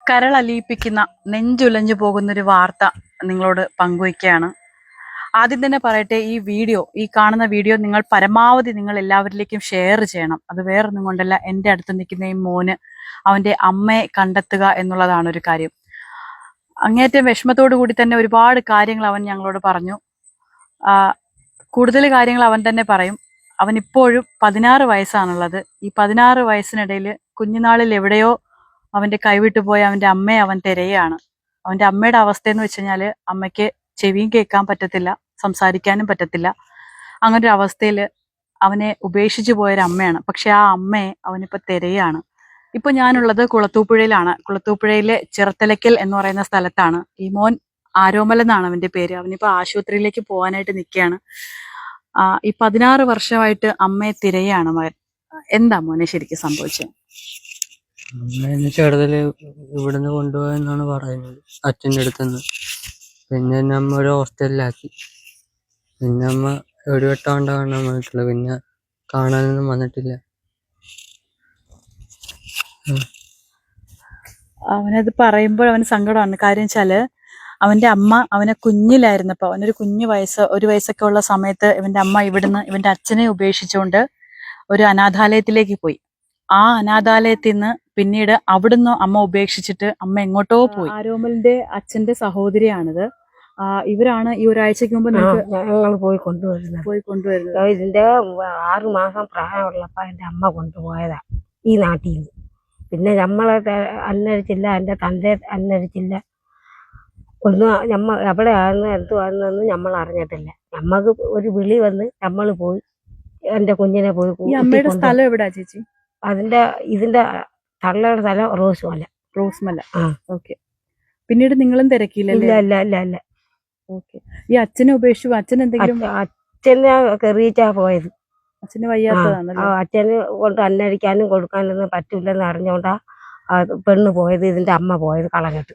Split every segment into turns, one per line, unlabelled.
കരളലിയിപ്പിക്കുന്ന നെഞ്ചുലഞ്ഞു പോകുന്നൊരു വാർത്ത നിങ്ങളോട് പങ്കുവയ്ക്കുകയാണ്. ആദ്യം തന്നെ പറയട്ടെ, ഈ കാണുന്ന വീഡിയോ നിങ്ങൾ പരമാവധി നിങ്ങൾ എല്ലാവരിലേക്കും ഷെയർ ചെയ്യണം. അത് വേറൊന്നും കൊണ്ടല്ല, എൻ്റെ അടുത്ത് നിൽക്കുന്ന ഈ മോന് അവൻ്റെ അമ്മയെ കണ്ടെത്തുക എന്നുള്ളതാണ് ഒരു കാര്യം. അങ്ങേറ്റം വിഷമത്തോടു കൂടി തന്നെ ഒരുപാട് കാര്യങ്ങൾ അവൻ ഞങ്ങളോട് പറഞ്ഞു. കൂടുതൽ കാര്യങ്ങൾ അവൻ തന്നെ പറയും. അവൻ ഇപ്പോഴും 16 വയസ്സാണുള്ളത്. ഈ 16 വയസ്സിനിടയിൽ കുഞ്ഞുനാളിൽ എവിടെയോ അവൻ്റെ കൈവിട്ടു പോയ അവൻ്റെ അമ്മയെ അവൻ തിരയാണ്. അവൻ്റെ അമ്മയുടെ അവസ്ഥയെന്ന് വെച്ച് കഴിഞ്ഞാൽ അമ്മയ്ക്ക് ചെവിയും കേൾക്കാൻ പറ്റത്തില്ല, സംസാരിക്കാനും പറ്റത്തില്ല. അങ്ങനൊരു അവസ്ഥയിൽ അവനെ ഉപേക്ഷിച്ചു പോയൊരു അമ്മയാണ്. പക്ഷെ ആ അമ്മയെ അവനിപ്പോൾ തിരയാണ്. ഇപ്പോൾ ഞാനുള്ളത് കുളത്തൂപ്പുഴയിലാണ്. കുളത്തൂപ്പുഴയിലെ ചിറത്തലയ്ക്കൽ എന്ന് പറയുന്ന സ്ഥലത്താണ്. ഈ മോൻ ആരോമൽ എന്നാണ് അവൻ്റെ പേര്. അവനിപ്പോൾ ആശുപത്രിയിലേക്ക് പോകാനായിട്ട് നിൽക്കുകയാണ്. ഈ 16 വർഷമായിട്ട് അമ്മയെ തിരയാണ് മകൻ. എന്താ മോനെ ശരിക്കും സംഭവിച്ചത്?
അമ്മേനെ ചെറുതില് ഇവിടുന്ന് കൊണ്ടുപോയെന്നാണ് പറയുന്നത്, അച്ഛൻ്റെ അടുത്തുനിന്ന്. പിന്നെ എന്നെ അമ്മ ഒരു ഹോസ്റ്റലിലാക്കി. പിന്നെ അമ്മ ഒരു വട്ടം കൊണ്ട് കാണാൻ വന്നിട്ടുള്ളു, പിന്നെ കാണാനൊന്നും വന്നിട്ടില്ല.
അവനത് പറയുമ്പോൾ അവന് സങ്കടമാണ്. കാര്യം വെച്ചാല് അവന്റെ അമ്മ അവനെ കുഞ്ഞിലായിരുന്നപ്പോൾ, അവനൊരു ഒരു വയസ്സൊക്കെ ഉള്ള സമയത്ത് ഇവന്റെ അമ്മ ഇവിടുന്ന് ഇവന്റെ അച്ഛനെ ഉപേക്ഷിച്ചുകൊണ്ട് ഒരു അനാഥാലയത്തിലേക്ക് പോയി. ആ അനാഥാലയത്തിൽ നിന്ന് പിന്നീട് അവിടുന്ന് അമ്മ ഉപേക്ഷിച്ചിട്ട് അമ്മ എങ്ങോട്ടോ പോയി. ആരോമലിന്റെ അച്ഛന്റെ സഹോദരിയാണിത്. ഇവരാണ് ഈ ഒരാഴ്ചക്ക് മുമ്പ്
ഞങ്ങൾ പോയി കൊണ്ടുവരുന്നത്. ഇതിന്റെ 6 മാസം പ്രായമുള്ളപ്പോ എന്റെ അമ്മ കൊണ്ടുപോയതാ ഈ നാട്ടിൽ നിന്ന്. പിന്നെ നമ്മളെ അന്വേഷിച്ചില്ല, എന്റെ തന്റെ അന്വേഷിച്ചില്ല, ഒന്നും എവിടെയാണെന്ന് എന്തുവാണെന്നൊന്നും നമ്മൾ അറിഞ്ഞിട്ടില്ല. നമ്മക്ക് ഒരു വിളി വന്ന് നമ്മൾ പോയി എന്റെ കുഞ്ഞിനെ പോയി.
അമ്മയുടെ സ്ഥലം എവിടാ ചേച്ചി?
ഇതിന്റെ തള്ളയുടെ സ്ഥലം റോസ്മല.
ഓക്കെ. പിന്നീട് നിങ്ങളും തിരക്കിയില്ല?
ഇല്ല.
ഓക്കെ. ഈ അച്ഛനെ ഉപേക്ഷിച്ചു? അച്ഛൻ എന്തെങ്കിലും?
അച്ഛനെ കെറിയിച്ചാ പോയത്.
അച്ഛന് വയ്യാത്തതാണല്ലോ.
അച്ഛന് കൊണ്ട് അന്നടിക്കാനും കൊടുക്കാനൊന്നും പറ്റൂലെന്ന് അറിഞ്ഞോണ്ടാ പെണ്ണ് പോയത്, ഇതിന്റെ അമ്മ പോയത് കളഞ്ഞിട്ട്.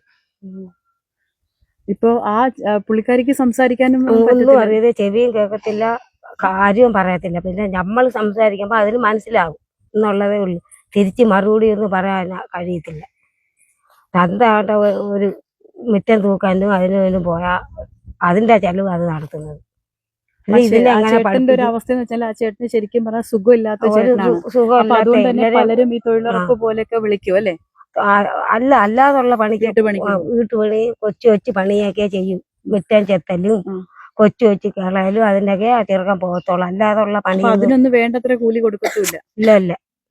ഇപ്പൊ ആ പുള്ളിക്കാരിക്ക് സംസാരിക്കാനും
ഒന്നും അറിയത്, ചെവിയും കേൾക്കത്തില്ല, കാര്യവും പറയത്തില്ല. പിന്നെ നമ്മൾ സംസാരിക്കുമ്പോ അതിന് മനസ്സിലാകും എന്നുള്ളതേ ഉള്ളൂ. തിരിച്ച് മറുപടി ഒന്നും പറയാൻ കഴിയത്തില്ല. തന്താണ്ട ഒരു മുറ്റം തൂക്കാനും അതിനും പോയാ അതിന്റെ ചെലവ് അത് നടത്തുന്നത്.
ചേട്ടന്റെ ഒരു അവസ്ഥ എന്ന് വെച്ചാൽ ആ ചേട്ടന് ശരിക്കും പറഞ്ഞാൽ സുഖമില്ലാത്ത ചേട്ടനാണ്. അതുകൊണ്ട് തന്നെ പലരും ഈ തൊഴിലുറപ്പ് പോലെയൊക്കെ വിളിക്കും അല്ലെ?
അല്ലാതുള്ള പണിക്ക് വീട്ടുപണി കൊച്ചു പണിയൊക്കെ ചെയ്യും. മുറ്റം ചെത്തലും കൊച്ചു കളയലും അതിനൊക്കെ ചെറുക്കാൻ പോകത്തോളൂ. അല്ലാതുള്ള പണി
അതിനൊന്നും വേണ്ടത്ര കൂലി കൊടുക്കത്തില്ല.
ഇല്ല.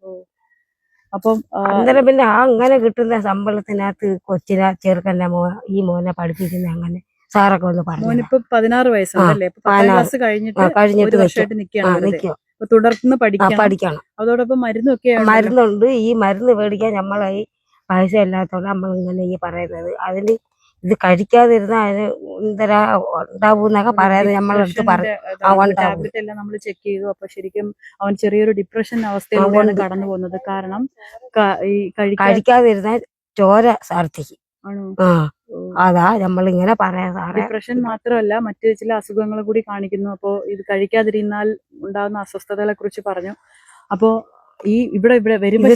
അപ്പം
അന്നേരം പിന്നെ അങ്ങനെ കിട്ടുന്ന ശമ്പളത്തിനകത്ത് കൊച്ചിനെ ചെറുക്കന്റെ ഈ മോനെ പഠിപ്പിക്കുന്ന അങ്ങനെ സാറൊക്കെ ഒന്ന് പറഞ്ഞു.
മോനിപ്പോ 16 വയസ്സാണല്ലേ? 10ാം ക്ലാസ് കഴിഞ്ഞിട്ട് വർഷമായിട്ട് നിൽക്കുകയാണ്. തുടർന്ന് പഠിക്കണം. അതോടൊപ്പം
മരുന്നുണ്ട്. ഈ മരുന്ന് മേടിക്കാൻ നമ്മളെ ഈ പൈസ ഇല്ലാത്തോണ്ട് നമ്മൾ ഇങ്ങനെ ഈ പറയുന്നത്. അതിന് ഇത് കഴിക്കാതിരുന്ന അതിന് എന്തരാ ഉണ്ടാവൂന്നൊക്കെ പറയാതെ നമ്മളെടുത്ത്
ടാബ്ലറ്റ് എല്ലാം നമ്മൾ ചെക്ക് ചെയ്തു. അപ്പൊ ശരിക്കും അവൻ ചെറിയൊരു ഡിപ്രഷൻ അവസ്ഥയിലൂടെയാണ് കടന്നു പോകുന്നത്. കാരണം ഈ
കഴിക്കാതിരുന്ന ചോര ഛർദ്ദിക്കും. അതാ നമ്മളിങ്ങനെ പറയാ.
ഡിപ്രഷൻ മാത്രമല്ല, മറ്റു ചില അസുഖങ്ങൾ കൂടി കാണിക്കുന്നു. അപ്പോ ഇത് കഴിക്കാതിരുന്നാൽ ഉണ്ടാകുന്ന അസ്വസ്ഥതകളെ കുറിച്ച് പറഞ്ഞു. അപ്പോ ഇവിടെ വരുമ്പോ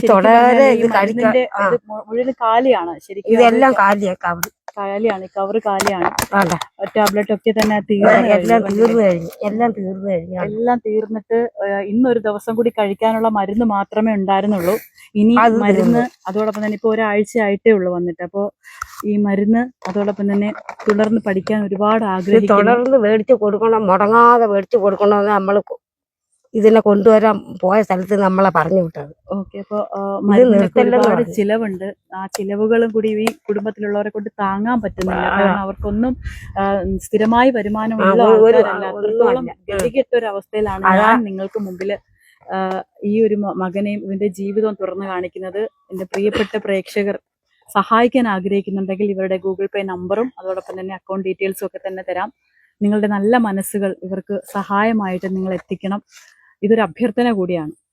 മുഴുവൻ കാലിയാണ്. ശരിക്കും
ഇതെല്ലാം
കാലിയാണ്, കവറ് കാലിയാണ്. ടാബ്ലറ്റ് ഒക്കെ തന്നെ
എല്ലാം
തീർന്നിട്ട് ഇന്നൊരു ദിവസം കൂടി കഴിക്കാനുള്ള മരുന്ന് മാത്രമേ ഉണ്ടായിരുന്നുള്ളൂ. ഇനി മരുന്ന് അതോടൊപ്പം തന്നെ ഇപ്പൊ ഒരാഴ്ച ആയിട്ടേ ഉള്ളൂ വന്നിട്ട്. അപ്പോ ഈ മരുന്ന് അതോടൊപ്പം തന്നെ തുടർന്ന് പഠിക്കാൻ ഒരുപാട് ആഗ്രഹിക്കുന്നു.
തുടർന്ന് മേടിച്ചു കൊടുക്കണം, മുടങ്ങാതെ മേടിച്ചു കൊടുക്കണമെന്ന് നമ്മൾ ഇതിനെ കൊണ്ടുവരാൻ പോയ സ്ഥലത്ത് നമ്മളെ പറഞ്ഞു വിട്ടത്.
ഓക്കെ. അപ്പൊ ഒരുപാട് ചിലവുണ്ട്. ആ ചിലവുകളും കൂടി ഈ കുടുംബത്തിലുള്ളവരെ കൊണ്ട് താങ്ങാൻ പറ്റുന്നില്ല. കാരണം അവർക്കൊന്നും സ്ഥിരമായി വരുമാനമുള്ള അത്രത്തോളം ഗതികെട്ട ഒരു അവസ്ഥയിലാണ് ഞാൻ നിങ്ങൾക്ക് മുമ്പിൽ ഈ ഒരു മകനെയും ഇവന്റെ ജീവിതവും തുറന്നു കാണിക്കുന്നത്. എന്റെ പ്രിയപ്പെട്ട പ്രേക്ഷകർ സഹായിക്കാൻ ആഗ്രഹിക്കുന്നുണ്ടെങ്കിൽ ഇവരുടെ ഗൂഗിൾ പേ നമ്പറും അതോടൊപ്പം തന്നെ അക്കൗണ്ട് ഡീറ്റെയിൽസും ഒക്കെ തന്നെ തരാം. നിങ്ങളുടെ നല്ല മനസ്സുകൾ ഇവർക്ക് സഹായമായിട്ട് നിങ്ങൾ എത്തിക്കണം. ഇതൊരു അഭ്യർത്ഥന കൂടിയാണ്.